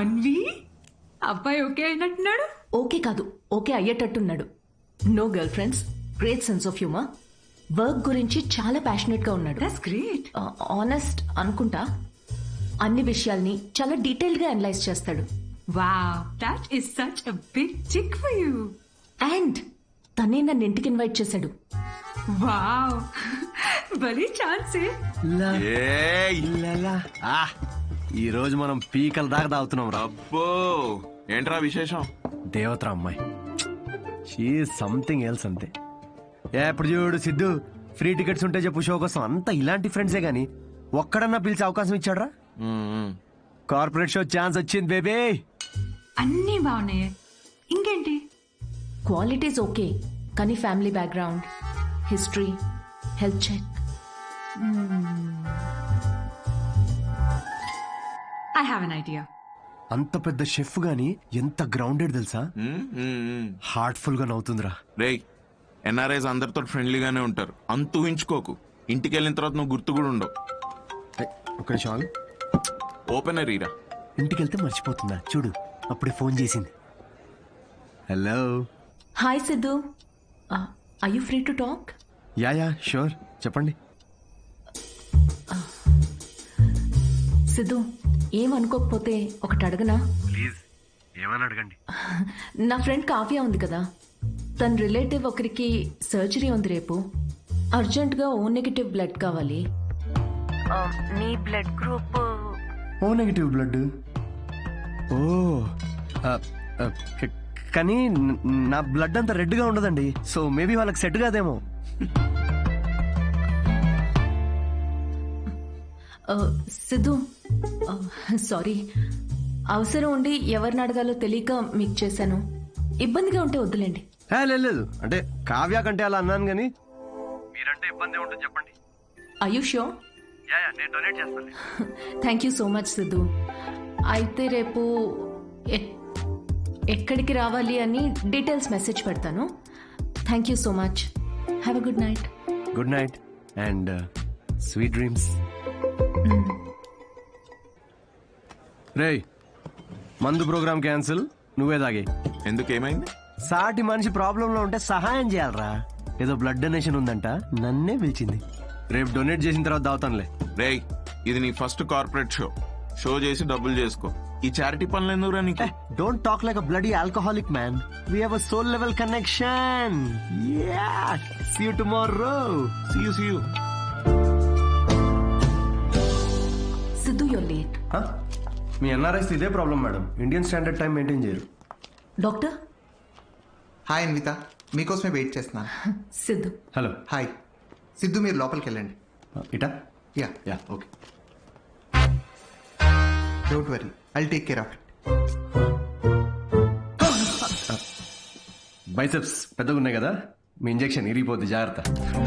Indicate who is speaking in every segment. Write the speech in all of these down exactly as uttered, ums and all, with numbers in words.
Speaker 1: అన్వి అబ్బాయి ఓకే అయినట్టున్నాడు.
Speaker 2: ఓకే కాదు, ఓకే అయ్యేటట్టున్నాడు. No girlfriends, great sense of humour, work గురించి చాలా ప్యాషనెట్ గా ఉన్నాడు.
Speaker 1: That's great.
Speaker 2: ఆనెస్ట్ అనుకుంటా, అన్ని విషయాల్ని చాలా డీటెయిల్ గా అనలైజ్ చేస్తాడు.
Speaker 1: Wow, that is such a big chick for you.
Speaker 2: And తనే నన్ను ఇంటికి ఇన్వైట్ చేశాడు.
Speaker 1: వావ్, భలే ఛాన్సే.
Speaker 3: ఈ రోజు మనం పీకల దాకా తాగుతున్నాం రా.
Speaker 4: అబ్బో, ఏంట్రా విశేషం?
Speaker 3: దేవతరా అమ్మాయి, షీ సంథింగ్ ఎల్స్ అంతే. ఏ ఇప్పుడు చూడు సిద్ధు, ఫ్రీ టికెట్స్ ఉంటే చెప్పు షో కోసం. అంతా ఇలాంటి ఫ్రెండ్సే గానీ ఒక్కడన్నా పిలిచే అవకాశం ఇచ్చాడ్రా? కార్పొరేట్ షో ఛాన్స్ వచ్చింది బేబీ.
Speaker 1: అన్నీ బాగున్నాయి, ఇంకేంటి?
Speaker 2: క్వాలిటీస్ ఓకే, కానీ family background, history, health check.
Speaker 1: I have an idea.
Speaker 3: అంత పెద్ద షెఫ్ గానీ ఎంత గ్రౌండెడ్ తెలుసా? హార్ట్ఫుల్ గా నవ్వుతుందిరా.
Speaker 4: రేయ్, ఎన్ఆర్ఐస్ అందరితో ఫ్రెండ్లీగానే ఉంటారు, అంత ఊహించుకోకు. ఇంటికి వెళ్ళిన తర్వాత నువ్వు గుర్తు కూడా ఉండవు.
Speaker 3: ఒక నిమిషం,
Speaker 4: ఓపెనర్ ఈరా.
Speaker 3: ఇంటికి వెళ్తే మర్చిపోతుందా చూడు, అప్పుడే ఫోన్ చేసింది. Hello.
Speaker 2: Hi Siddhu, are you free to talk?
Speaker 3: Yeah yeah sure, చెప్పండి.
Speaker 2: సిద్ధు, ఏమనుకోకపోతే ఒకటి అడగనా?
Speaker 3: ప్లీజ్, ఏమని అడగండి.
Speaker 2: నా ఫ్రెండ్ కావ్య ఉంది కదా, తన రిలేటివ్ ఒకరికి సర్జరీ ఉంది రేపు. అర్జెంట్గా ఓ నెగిటివ్ బ్లడ్ కావాలి. నీ blood group
Speaker 3: O negative blood. ఓ కానీ నా బ్లడ్ అంత రెడ్ గా ఉండదండి, సో మేబీ వాళ్ళకి సెట్ కాదేమో.
Speaker 2: సిద్ధు, సారీ, అవసరం ఉండి ఎవరిని అడగాలో తెలియక మీకు చేశాను. ఇబ్బందిగా ఉంటే వద్దులేండి.
Speaker 3: లేదు, అంటే కావ్య కంటే అలా అన్నాను కానీ మీరంటే ఇబ్బంది ఉంటుంది చెప్పండి.
Speaker 2: Are you sure?
Speaker 3: నేను డొనేట్ చేస్తాను.
Speaker 2: Thank you so much Siddhu. అయితే రేపు ఎక్కడికి రావాలి అని డీటెయిల్స్ మెసేజ్ పెడతాను. Thank you so much. Have a good night.
Speaker 3: Good night and sweet dreams. రేయ్, మందు ప్రోగ్రామ్ క్యాన్సిల్, నువ్వే తాగే.
Speaker 4: ఎందుకు, ఏమైంది?
Speaker 3: సాటి మనిషి ప్రాబ్లం లో ఉంటే సహాయం చేయాలరా. ఏదో బ్లడ్ డొనేషన్ ఉందంట, నన్నే పిలిచింది. రేపు డొనేట్ చేసిన తర్వాత దావుతానులే.
Speaker 4: రేయ్, ఇది నీ ఫస్ట్ కార్పొరేట్ షో. షో చేసి డబ్బులు చేసుకో. ఈ చారిటీ పనులు ఎందుకురా నీకు?
Speaker 3: Don't talk like a bloody alcoholic man. We have a soul level connection. Yeah, see you tomorrow.
Speaker 4: See you see you.
Speaker 2: Siddhu, you're late.
Speaker 3: మీ ఎన్ఆర్ఐస్ ఇదే problem madam, Indian standard time maintain చేయరు.
Speaker 2: Doctor.
Speaker 5: Hi Anvitha, మీకోసమే wait చేస్తున్నాను.
Speaker 2: Siddhu.
Speaker 3: Hello.
Speaker 5: Hi Siddhu, మీరు లోపలికి వెళ్ళండి.
Speaker 3: ఇటా?
Speaker 5: Yeah
Speaker 3: yeah okay.
Speaker 5: Don't worry, I'll take care of it.
Speaker 3: Biceps పెద్దగా ఉన్నాయి కదా, మీ ఇంజెక్షన్ ఇరిగిపోద్ది, జాగ్రత్త.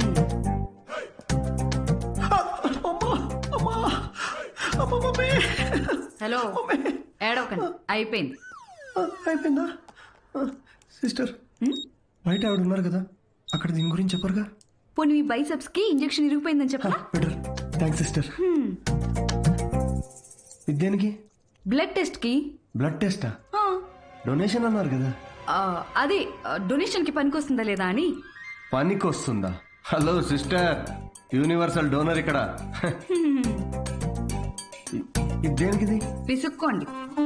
Speaker 1: హలో, ఏడవకండి, అయిపోయింది.
Speaker 3: అయిపోయిందా? సిస్టర్, బయట ఆవిడ ఉన్నారు కదా, అక్కడ దీని గురించి చెప్పరుగా?
Speaker 1: పోనీ మీ బైసెప్స్ కి ఇంజెక్షన్ ఇరిగిపోయిందని చెప్పరా?
Speaker 3: Better, thanks sister. దేనికి?
Speaker 1: బ్లడ్ టెస్ట్ కి.
Speaker 3: బ్లడ్ టెస్టా? డొనేషన్ అన్నారు కదా.
Speaker 1: అదే డొనేషన్ కి పనికొస్తుందా లేదా అని.
Speaker 3: పనికొస్తుందా? హలో సిస్టర్, యూనివర్సల్ డోనర్ ఇక్కడ. దేనికిది?
Speaker 1: పిసుక్కోండి.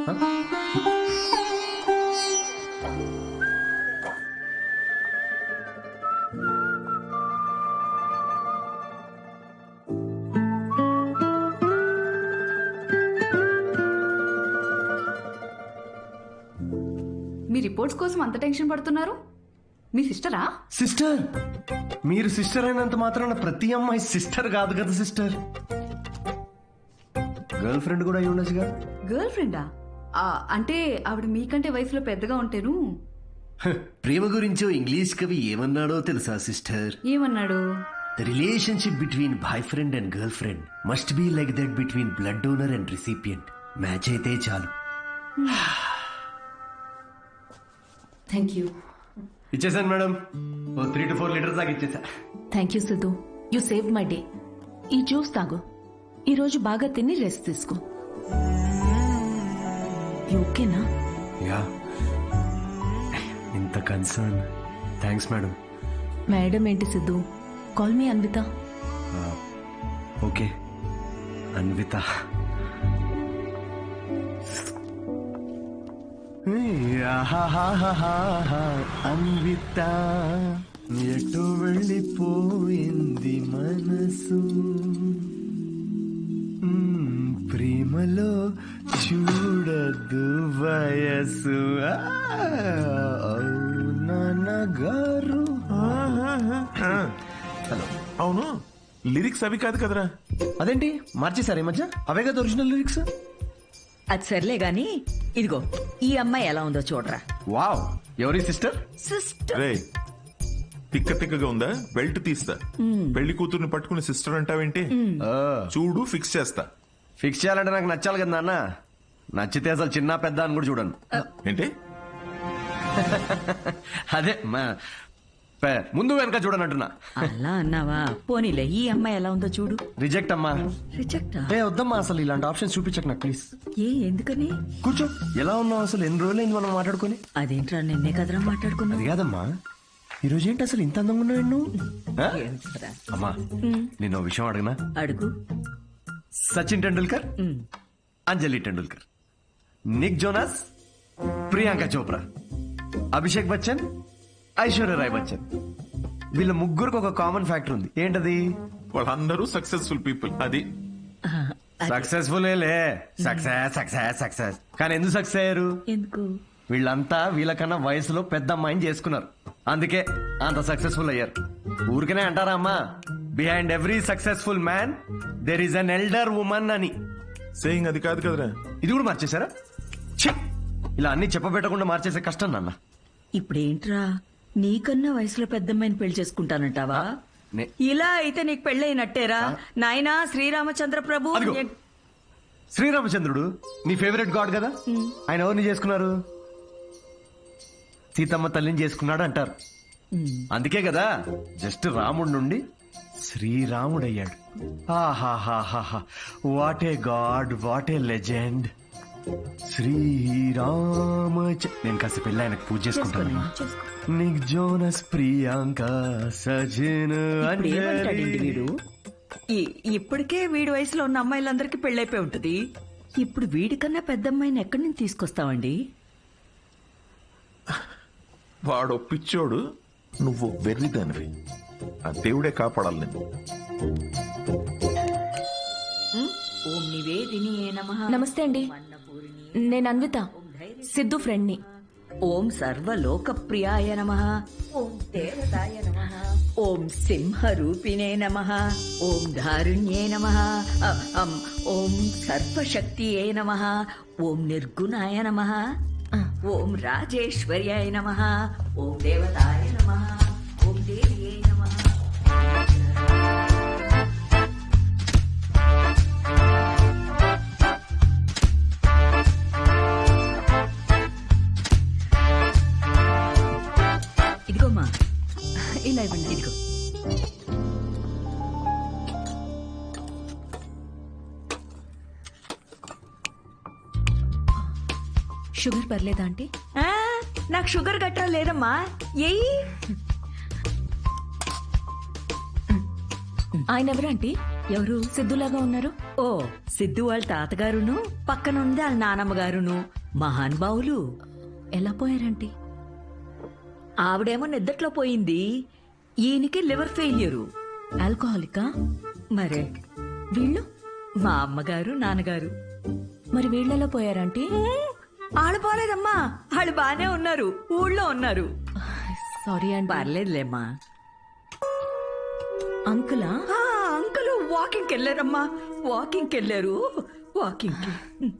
Speaker 1: మీ రిపోర్ట్స్ కోసం అంత టెన్షన్ పడుతున్నారు? మీ సిస్టరా?
Speaker 3: సిస్టర్? మీరు సిస్టర్ అయినంత మాత్రాన ప్రతి అమ్మాయి సిస్టర్ కాదు కదా సిస్టర్. గర్ల్ ఫ్రెండ్ కూడా అయి ఉండొచ్చుగా.
Speaker 1: గర్ల్ ఫ్రెండా? అంటే ఆవిడ మీకంటే వయసులో పెద్దగా ఉంటేను.
Speaker 3: ప్రేమ గురించో ఇంగ్లీష్ కవి ఏమన్నాడో తెలుసా సిస్టర్?
Speaker 1: ఏమన్నాడు?
Speaker 3: The relationship between boyfriend and girlfriend must be like that between blood donor and recipient. Match అయితే చాలు.
Speaker 2: Thank you.
Speaker 3: ఇచ్చేసాను madam, oh three to four litres దాకా ఇచ్చేసా.
Speaker 2: Thank you Siddhu, you save my day. ఈ juice తాగు, ఈరోజు బాగా తిని రెస్ట్ తీసుకో. ఓకేనా?
Speaker 3: యా, ఇంత కన్సర్న్. Thanks madam.
Speaker 2: మేడం ఏంటి Siddhu? Call me Anvitha.
Speaker 3: Okay Anvitha. Anvitha ఎటు వెళ్ళిపోయింది మనసు, మ్మ్, ప్రేమలో చూడదు వయసు. నాన్నగారు. హలో.
Speaker 4: అవును, లిరిక్స్ అవి కాదు కదరా.
Speaker 3: అదేంటి మార్చేశారు ఈ మధ్య? అవే కదా ఒరిజినల్ లిరిక్స్.
Speaker 6: అది సర్లే గాని ఇదిగో ఈ అమ్మాయి ఎలా ఉందో చూడరా.
Speaker 3: వావ్, ఎవరి సిస్టర్?
Speaker 6: సిస్టర్
Speaker 4: రే, తిక్క తిక్కగా ఉందా? బెల్ట్ తీస్తా. పెళ్లి కూతుర్ని పట్టుకుని సిస్టర్ అంటావేంటి? చూడు, ఫిక్స్ చేస్తా.
Speaker 3: ఫిక్స్ చేయాలంటే నాకు నచ్చాలి కదా నాన్న. నచ్చితే అసలు చిన్న పెద్ద అని కూడా చూడను.
Speaker 4: ఏంటి?
Speaker 3: అదే మా- పే- ముందు వెనక చూడనంటున్నా.
Speaker 6: అలా అన్నావా? పోనీలే, ఈ అమ్మాయి ఎలా ఉందో చూడు.
Speaker 3: రిజెక్ట్ అమ్మా.
Speaker 6: రిజెక్ట్
Speaker 3: ఏ వద్దమ్మా, అసలు ఇలాంటి ఆప్షన్స్ చూపించకు నాకు ప్లీజ్.
Speaker 6: ఏ ఎందుకని?
Speaker 3: కూర్చో. ఎలా ఉన్నావు అసలు? ఎన్ని రోజులైంది మనం మాట్లాడుకొని?
Speaker 6: అదేంట్రా, నిన్నే కదరా మాట్లాడుకున్నా.
Speaker 3: అది కాదమ్మా, ఈ రోజు ఏంటి అసలు ఇంత అందంగా ఉన్నావు నువ్వు? ఆ? అమ్మా, నేను ఓ విషయం అడగనా?
Speaker 6: అడుగు.
Speaker 3: Sachin Tendulkar,
Speaker 6: um.
Speaker 3: Anjali Tendulkar, Nick Jonas, Priyanka Chopra, Abhishek Bachchan, Aishwarya Rai Bachchan, వీళ్ళ ముగ్గురికి ఒక కామన్ ఫ్యాక్టర్ ఉంది. ఏంటది?
Speaker 4: వాళ్ళందరూ సక్సెస్ఫుల్ పీపుల్. అది
Speaker 6: ఆ, అది
Speaker 3: సక్సెస్ఫుల్ లే. సక్సెస్ సక్సెస్ సక్సెస్ కానీ ఎందుకు సక్సెస్ అయ్యారు?
Speaker 6: ఎందుకు?
Speaker 3: వీళ్ళంతా వీళ్ళకన్నా వయసులో పెద్ద అమ్మాయిని చేసుకున్నారు, అందుకే అంత సక్సెస్ఫుల్ అయ్యారు. ఊరికనే అంటారా అమ్మా, behind every successful man there is an elder woman అని.
Speaker 4: సేయింగ్ అది కాదు కదరా.
Speaker 3: ఇది కూడా మార్చేశారా? ఛీ! ఇలా అన్ని చెప్పబెట్టకుండా మార్చేసే కష్టం నాన్న.
Speaker 6: ఇప్పుడేంట్రా, నీకన్నా వయసులో పెద్దమ్మాయిని పెళ్లి చేసుకుంటానంటావా?
Speaker 3: నే-
Speaker 6: ఇలా అయితే నీకు పెళ్ళైనట్టేరా నాయనా. శ్రీరామచంద్ర ప్రభు
Speaker 3: అదిగో. శ్రీరామచంద్రుడు నీ ఫేవరెట్ గాడ్ కదా, ఆయన ఎవరిని చేసుకున్నారు? సీతమ్మ తల్లిని చేసుకున్నాడు అంటారు. అందుకే కదా జస్ట్ రాముడి నుండి శ్రీరాముడయ్యాడు. ఆహాహాహాహా, what a god, what a legend. Srirama. నేను కాస్త పెళ్ళి ఆయనకు పూజ చేసుకుంటాను. నిక్ జోనస్, ప్రియాంక, సజిన్,
Speaker 6: ఇప్పుడు ఏమంటాడండి
Speaker 3: అంజలి.
Speaker 6: వీడు? ఈ- ఇప్పటికే వీడి వయసులో ఉన్న అమ్మాయిలందరికీ పెళ్ళైపోయి ఉంటది. ఇప్పుడు వీడికన్నా పెద్ద అమ్మాయిని ఎక్కడి నుంచి తీసుకొస్తావండి?
Speaker 4: వాడు పిచ్చోడు, నువ్వు వెర్రిదానివి. ఆ దేవుడే కాపాడాలి నేను.
Speaker 6: ఓం నివేదిని నమః.
Speaker 2: నమస్తే అండి, నేను అన్విత, సిద్ధు ఫ్రెండ్ని.
Speaker 6: ఓం సర్వలోకప్రియాయ నమః. ఓం దేవతాయ నమః. ఓం సింహరూపిణే నమః. ఓం ధారుణ్యే నమః. అ- అం, ఓం సర్వశక్తియే నమః. ఓం నిర్గుణాయ నమః. ఓం రాజేశ్వర్యాయ నమః. ఓం దేవతాయ నమః. ఓం దేవ్యే నమః. ఇదిగోమ్మా,
Speaker 2: ఇలా ఇవ్వండి.
Speaker 6: ఇదిగో.
Speaker 2: షుగర్ పర్లేదా ఆంటీ?
Speaker 6: ఆ, నాకు షుగర్ గట్రా లేదమ్మా. ఏయ్,
Speaker 2: ఆయన ఎవరు ఆంటీ?
Speaker 6: ఎవరు?
Speaker 2: సిద్ధులాగా ఉన్నారు.
Speaker 6: ఓ, సిద్ధు వాళ్ళ తాతగారును, పక్కనుంది వాళ్ళ నానమ్మ గారును, మహానుభావులు.
Speaker 2: ఎలా పోయారంటీ?
Speaker 6: ఆవిడేమో నిద్దట్లో పోయింది, ఈయనకి లివర్ ఫెయిల్యూరు.
Speaker 2: ఆల్కహాలికా?
Speaker 6: మరే
Speaker 2: వీళ్ళు?
Speaker 6: మా అమ్మగారు నాన్నగారు.
Speaker 2: మరి వీళ్ళెలా పోయారంటీ?
Speaker 6: ఆళ్ళు పోలేదమ్మా, వాళ్ళు బానే ఉన్నారు, ఊళ్ళో ఉన్నారు.
Speaker 2: సారీ అండి.
Speaker 6: పర్లేదులేమ్మా.
Speaker 2: అంకులా?
Speaker 6: ఆ, అంకులు వాకింగ్కి వెళ్ళారమ్మా, వాకింగ్కి వెళ్ళారు, వాకింగ్కి.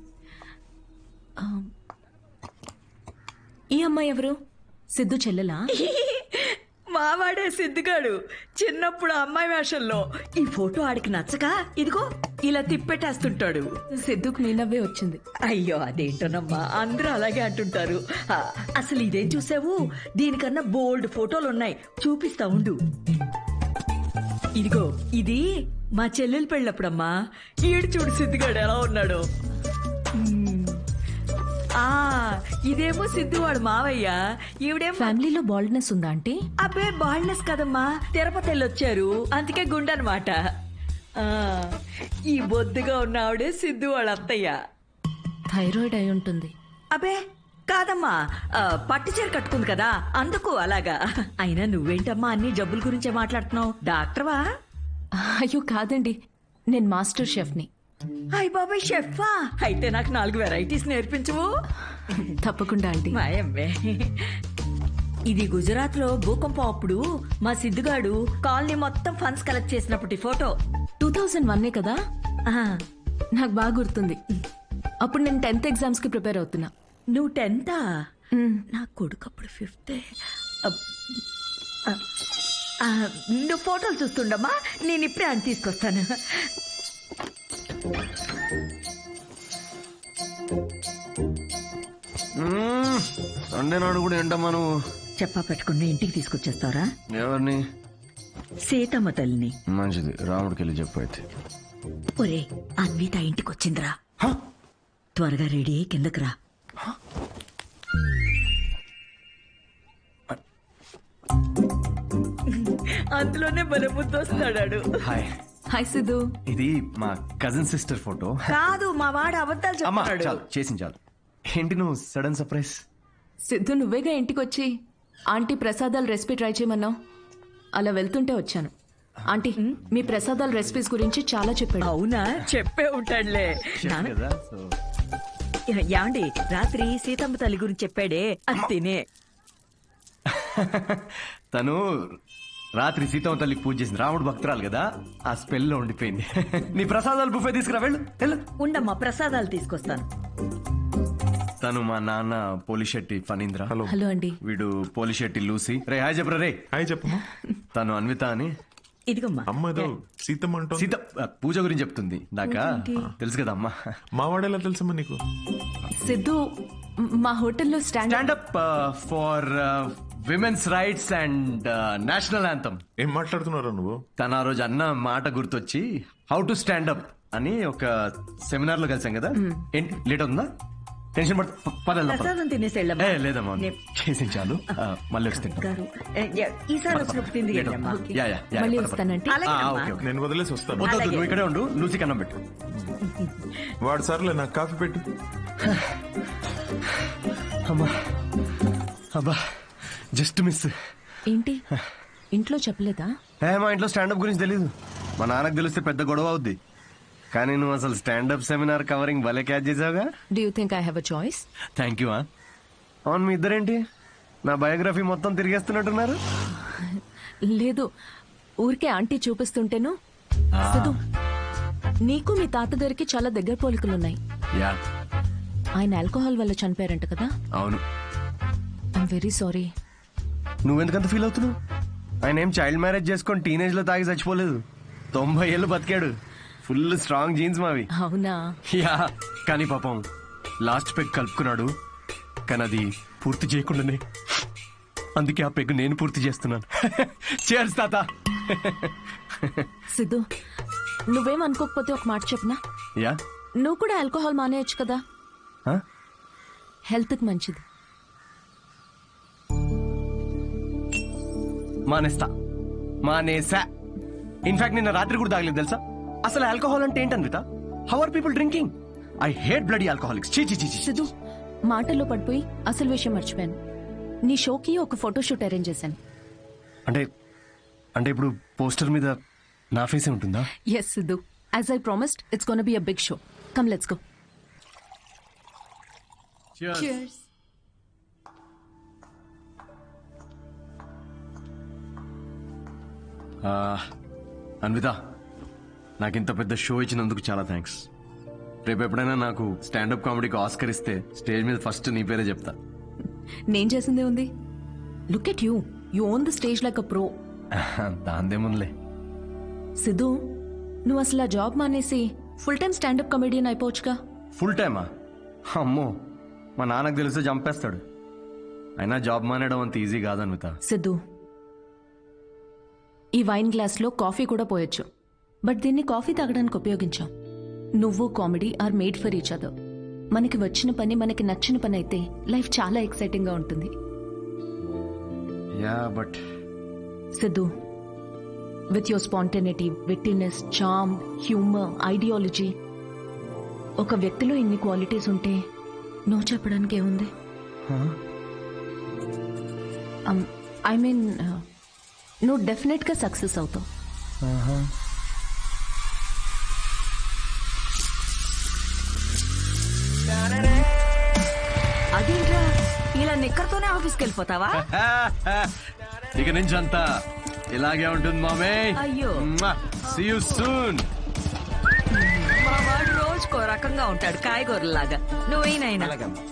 Speaker 2: ఈ అమ్మాయి ఎవరు? సిద్ధు చెల్లెలా?
Speaker 6: మావాడే సిద్ధిగాడు, చిన్నప్పుడు అమ్మాయి వేషంలో. ఈ ఫోటో ఆడికి నచ్చక ఇదిగో ఇలా తిప్పెట్టేస్తుంటాడు.
Speaker 2: సిద్ధుకు మీ నవ్వే వచ్చింది.
Speaker 6: అయ్యో అదేంటోనమ్మా, అందరూ అలాగే అంటుంటారు. ఆ, అసలు ఇదేం చూసావు, దీనికన్నా బోల్డ్ ఫోటోలు ఉన్నాయి, చూపిస్తా ఉండు. ఇదిగో ఇది మా చెల్లెలు పెళ్ళప్పుడమ్మా. ఈడు చూడు సిద్ధిగాడు ఎలా ఉన్నాడు. మ్మ్. ఆ ఇదేమో సిద్ధు వాడు మావయ్య, ఈవిడేమో
Speaker 2: ఫ్యామిలీలో బాల్డ్నెస్ ఉందా అంటే?
Speaker 6: అబ్బే బాల్నెస్ కదమ్మా, తిరుపతి వెళ్ళొచ్చారు అందుకే గుండనమాట. ఆ ఈ బొద్దుగా ఉన్న ఆవిడే సిద్ధు వాళ్ళ అత్తయ్య.
Speaker 2: థైరాయిడ్ అయి ఉంటుంది.
Speaker 6: అబే కాదమ్మా, ఆ, పట్టు చీర కట్టుకుంది కదా అందుకు అలాగా. అయినా నువ్వేంటమ్మా అన్ని జబ్బుల గురించే మాట్లాడుతున్నావు, డాక్టర్వా?
Speaker 2: అయ్యో కాదండి, నేను మాస్టర్ షెఫ్ని.
Speaker 6: అయ్ బాబాయ్ షెఫా, అయితే నాకు నాలుగు వెరైటీస్ నేర్పించవు.
Speaker 2: తప్పకుండా ఆంటీ.
Speaker 6: మాయమ్మే, ఇది గుజరాత్ లో భూకంపం అప్పుడు మా సిద్ధుగాడు కాలనీ మొత్తం ఫండ్స్ కలెక్ట్ చేసినప్పటి ఫోటో.
Speaker 2: టూ థౌజండ్ వన్నే కదా,
Speaker 6: ఆ,
Speaker 2: నాకు బాగా గుర్తుంది. అప్పుడు నేను టెన్త్ ఎగ్జామ్స్ కి ప్రిపేర్ అవుతున్నా.
Speaker 6: నువ్వు టెన్తా?
Speaker 2: మ్మ్.
Speaker 6: నా కొడుకు అప్పుడు ఫిఫ్త్. నువ్వు ఫోటోలు చూస్తుండమ్మా, నేను ఇప్పుడే అని తీసుకొస్తాను.
Speaker 3: సండే నాడు కూడా ఏంటమ్మా నువ్వు?
Speaker 6: చెప్పా పెట్టుకుని ఇంటికి తీసుకొచ్చేస్తారా?
Speaker 3: ఎవరిని?
Speaker 6: సీతమ్మ తల్లిని.
Speaker 3: మంచిది, రాముడికి వెళ్ళి చెప్పు అయితే.
Speaker 6: ఒరే అన్విత ఇంటికి వచ్చిందిరా, త్వరగా రెడీ అయ్యి కిందకి రా. అందులోనే బలముద్దు వస్తాడాడు.
Speaker 3: హాయ్.
Speaker 2: హాయ్ సిద్ధు.
Speaker 3: ఇది మా కజిన్ సిస్టర్ ఫోటో.
Speaker 6: కాదు మా వాడు అబద్ధాలు
Speaker 3: అమ్మా
Speaker 6: చెప్తాడు.
Speaker 3: చాలు, చేసింది చాలు. ఏంటి నువ్వు సడన్ సర్ప్రైజ్?
Speaker 2: సిద్ధు నువ్వేగా ఇంటికి వచ్చి ఆంటీ ప్రసాదాల రెసిపీ ట్రై చేయమన్నావు, అలా వెళ్తుంటే వచ్చాను. ఆంటీ మీ ప్రసాదాల రెసిపీస్ గురించి చాలా చెప్పాడు.
Speaker 6: అవునా, చెప్పే ఉంటాడులే. నాన్న
Speaker 3: కదా సో
Speaker 6: యాండి రాత్రి సీతమ్మ తల్లి గురించి చెప్పాడే, అది తినే.
Speaker 3: తను రాత్రి సీతమ్మ తల్లికి పూజ చేసింది, రాముడు భక్తురాలు కదా, ఆ స్పెల్ లో ఉండిపోయింది. నీ ప్రసాదాలు బుఫే తీసుకురా, వెళ్ళు వెళ్ళు.
Speaker 6: ఉండమ్మా ప్రసాదాలు తీసుకొస్తాను.
Speaker 3: తను మా నాన్న పోలిశెట్టి ఫణీంద్ర.
Speaker 4: హలో.
Speaker 2: హలో అండి.
Speaker 3: వీడు పోలిశెట్టి లూసి. రే హాయ్ చెప్పరా రే.
Speaker 4: హాయ్ చెప్పమ్మా.
Speaker 3: తను అన్విత అని.
Speaker 6: ఇదిగమ్మా.
Speaker 4: అమ్మ ఏదో సీతమ్మ అంటోంది.
Speaker 3: సీత ఆ, పూజ గురించి చెప్తుంది. నాకా తెలుసు కదా అమ్మా.
Speaker 4: మా వాడేలా తెలుసమ్మా నీకు?
Speaker 2: సిద్ధు మ్, మా హోటల్లో stand
Speaker 3: stand up for women's rights and national anthem.
Speaker 4: ఏం మాట్లాడుతున్నారా నువ్వు?
Speaker 3: తన ఆ రోజు అన్న మాట గుర్తొచ్చి హౌ టు స్టాండప్ అని ఒక సెమినార్ లో కలిసాం కదా. ఏంటి లేట్ అవుతుందా? టెన్షన్ పడ పదల్లా
Speaker 6: ప్రసాదం తినేసి వెళ్ళమ్మా.
Speaker 3: ఏ లేదమ్మా,
Speaker 6: నే-
Speaker 3: చేసి చాలు. ఆ, మళ్ళీ వస్తే
Speaker 6: గారు, ఏ, ఏ, ఈసారి వచ్చినప్పుడు తింది వెళ్ళమ్మా.
Speaker 3: యా యా యా,
Speaker 2: మళ్ళీ
Speaker 3: పద, పద.
Speaker 2: వస్తానంటే.
Speaker 6: అలాగే
Speaker 3: ఆ,
Speaker 6: అమ్మా.
Speaker 3: Okay okay.
Speaker 4: నేను వదిలేసి వస్తాను.
Speaker 3: వద్దు, వద్దు,
Speaker 6: అలాగే.
Speaker 3: నువ్వు ఇక్కడే ఉండు, లూసి కన్నం పెట్టు.
Speaker 4: వాడు సర్లే నాకు కాఫీ పెట్టు.
Speaker 3: అమ్మా అబ్బా జస్ట్ మిస్.
Speaker 2: ఏంటి ఇంట్లో చెప్పలేదా?
Speaker 3: ఏ మా ఇంట్లో స్టాండప్ గురించి తెలీదు. మా నాన్నకు తెలిస్తే పెద్ద గొడవ అవుద్ది. కానీ నువ్వు అసలు స్టాండప్ సెమినార్ కవరింగ్ భలే క్యాచ్ చేసావుగా.
Speaker 2: Do you think I have a choice?
Speaker 3: Thank you. అవును మీ ఇద్దరేంటి నా బయోగ్రఫీ మొత్తం తిరిగేస్తున్నట్టున్నారు?
Speaker 2: లేదు, ఊరికే ఆంటీ చూపిస్తుంటేను. సిద్ధు నీకు మీ తాతగారికి చాలా దగ్గర పోలికలున్నాయి.
Speaker 3: యా
Speaker 2: ఆయన ఆల్కహాల్ వల్ల చనిపోయారంట కదా.
Speaker 3: అవును.
Speaker 2: I'm very sorry.
Speaker 3: నువ్వెందుకంత ఫీల్ అవుతున్నావు? ఆయన ఏం చైల్డ్ మ్యారేజ్ చేసుకొని టీనేజ్ లో తాగి చచ్చిపోలేదు. తొంభై ఏళ్ళు బతికాడు. ఫుల్ స్ట్రాంగ్ జీన్స్ మావి.
Speaker 2: అవునా?
Speaker 3: యా కానీ పాపం లాస్ట్ పెగ్ కలుపుకున్నాడు, కానీ అది పూర్తి చేయకుండానే. అందుకే ఆ పెగ్ నేను పూర్తి చేస్తున్నాను. చేర్స్ తాత.
Speaker 2: సిద్ధు నువ్వేం అనుకోకపోతే ఒక మాట చెప్పనా?
Speaker 3: యా
Speaker 2: నువ్వు కూడా ఆల్కహాల్ మానేయచ్చు కదా,
Speaker 3: హ?
Speaker 2: హెల్త్ కి మంచిది.
Speaker 3: మానేస్తా, మానేసా. ఇన్ఫాక్ట్ నిన్న రాత్రి కూడా తాగలేదు తెలుసా. అసలు ఆల్కహాల్ అంటే ఏంటన్విత? How are people drinking? I hate bloody alcoholics. చీ చీ చీ చీ.
Speaker 2: సిద్ధు మాటల్లో పడిపోయి అసలు విషయం మర్చిపోయాను. నీ షోకి ఒక ఫోటోషూట్ అరేంజ్ చేశాను.
Speaker 3: అంటే అంటే ఇప్పుడు పోస్టర్ మీద నా ఫేసే ఉంటుందా?
Speaker 2: Yes Siddhu, as I promised it's gonna be a big show. Come let's go. Cheers.
Speaker 3: Anvitha, నాకు ఇంత పెద్ద షో ఇచ్చినందుకు చాలా థ్యాంక్స్. రేపు ఎప్పుడైనా నాకు స్టాండప్ కామెడీకి ఆస్కర్ ఇస్తే స్టేజ్ మీద ఫస్ట్ నీ పేరే చెప్తా.
Speaker 2: నేను చేసిందే ఉంది. Look at you, you own the stage like a pro.
Speaker 3: దాందేముందిలే.
Speaker 2: సిద్ధు నువ్వు అసలు ఆ జాబ్ మానేసి ఫుల్ టైం స్టాండప్ కమెడియన్ అయిపోవచ్చుగా.
Speaker 3: ఫుల్ టైమా? అమ్మో, మా నాన్నకు తెలిస్తే చంపేస్తాడు. అయినా జాబ్ మానేయడం అంత ఈజీ కాదన్విత.
Speaker 2: సిద్ధు ఈ వైన్ గ్లాస్ లో కాఫీ కూడా పోయొచ్చు, బట్ దీన్ని కాఫీ తాగడానికి ఉపయోగించాం. నువ్వు comedy are made for each other. మనకి వచ్చిన పని మనకి నచ్చిన పని అయితే లైఫ్ చాలా ఎక్సైటింగ్ గా ఉంటుంది.
Speaker 3: Yeah but
Speaker 2: Siddhu, with your spontaneity, wittiness, charm, humour, ideology, ఒక వ్యక్తిలో ఇన్ని క్వాలిటీస్ ఉంటే నువ్వు చెప్పడానికి ఏముంది? ఐ మీన్ నువ్వు డెఫినెట్ గా సక్సెస్ అవుతావు.
Speaker 6: అదేంట్రా ఇలా నిక్కర్తోనే ఆఫీస్కి వెళ్ళిపోతావా?
Speaker 3: ఇక నుంచి అంతా ఇలాగే ఉంటుంది మామే.
Speaker 6: అయ్యో.
Speaker 3: See you soon.
Speaker 6: మా వాడు రోజుకో రకంగా ఉంటాడు, కాయగూరలాగా. నువ్వేనైనా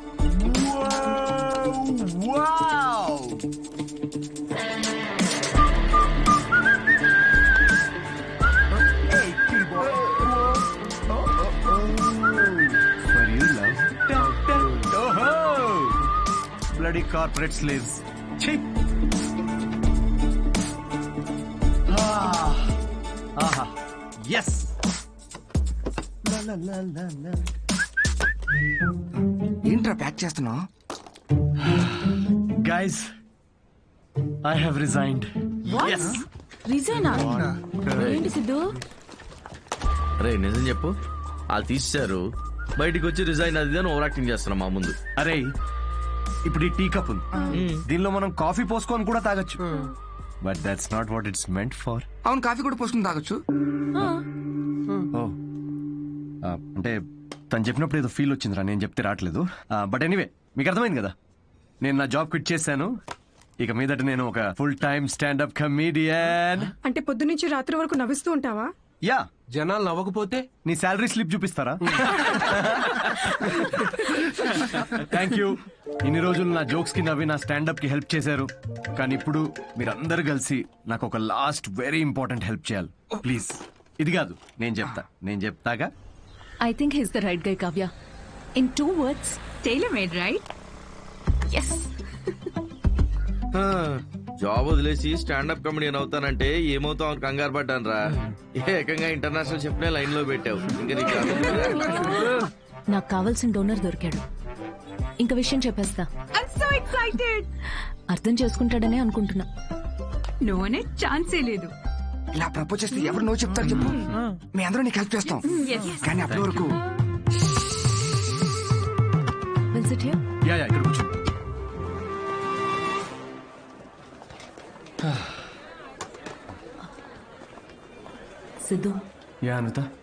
Speaker 3: Bloody corporate slaves. Cheap. Ah. Aha. Yes. La la la la la.
Speaker 7: ఏంట్రా ప్యాక్ చేస్తున్నావు?
Speaker 3: Guys, I have resigned. Yes.
Speaker 2: రిజైనా? ఏంటి సిద్ధు?
Speaker 8: రే నిజం చెప్పు, వాళ్ళు తీసేశారు, బయటికి వచ్చి రిజైన్ అది అని ఓవర్ యాక్టింగ్ చేస్తున్నా మా ముందు.
Speaker 3: అరే ఇప్పుడు ఈ టీ కప్ ఉంది, దీనిలో మనం కాఫీ పోసుకొని కూడా తాగొచ్చు. But that's not what it's meant for.
Speaker 7: అవును, కాఫీ కూడా పోసుకుని తాగొచ్చు.
Speaker 3: ఓ అంటే తను చెప్పినప్పుడు ఏదో ఫీల్ వచ్చిందిరా, నేను చెప్తే రావట్లేదు. బట్ ఎనీవే, మీకు అర్థమైంది కదా, నేను నా జాబ్ క్విట్ చేశాను. ఇక మీదట నేను ఒక ఫుల్ టైమ్ స్టాండప్ కమీడియన్.
Speaker 9: అంటే పొద్దునుంచి రాత్రి వరకు నవ్విస్తూ ఉంటావా?
Speaker 3: యా.
Speaker 10: జనాలు నవ్వకపోతే
Speaker 3: నీ శాలరీ స్లిప్ చూపిస్తారా? Thank you. ఇన్ని రోజులు నా జోక్స్ కి నవ్వి నా స్టాండప్ కి హెల్ప్ చేశారు, కానీ ఇప్పుడు మీరందరూ కలిసి నాకు ఒక లాస్ట్ వెరీ ఇంపార్టెంట్ హెల్ప్ చేయాలి. ప్లీజ్. ఇది కాదు, నేను చెప్తా నేను చెప్తాగా.
Speaker 2: I think he's the right guy, Kavya. In two words,
Speaker 1: tailor made, right?
Speaker 2: Yes.
Speaker 8: Job వదిలేసి స్టాండప్ కమెడియన్ అవుతానంటే ఏమవుతావు అని కంగారు పడ్డాను రా. ఏకంగా ఇంటర్నేషనల్ చెప్పిన లైన్ లో పెట్టావు. ఇంకా నీకు
Speaker 2: నాకు కావాల్సిన డోనర్ దొరికాడు. ఇంక విషయం చెప్పేస్తా.
Speaker 1: I'm so excited.
Speaker 2: అర్థం చేసుకుంటాడనే అనుకుంటున్నా.
Speaker 1: నువ్వు అనే ఛాన్సే లేదు.
Speaker 7: ఇలా ప్రపోజ్ చేస్తే ఎవరు నో చెప్తారు చెప్పు? మీ అందరూ నీకు హెల్ప్ చేస్తాం, కానీ అప్పటి వరకు
Speaker 2: Will sit here?
Speaker 3: Yeah yeah ఇక్కడ కూర్చో.
Speaker 2: సిద్ధు,
Speaker 3: యా అనిత.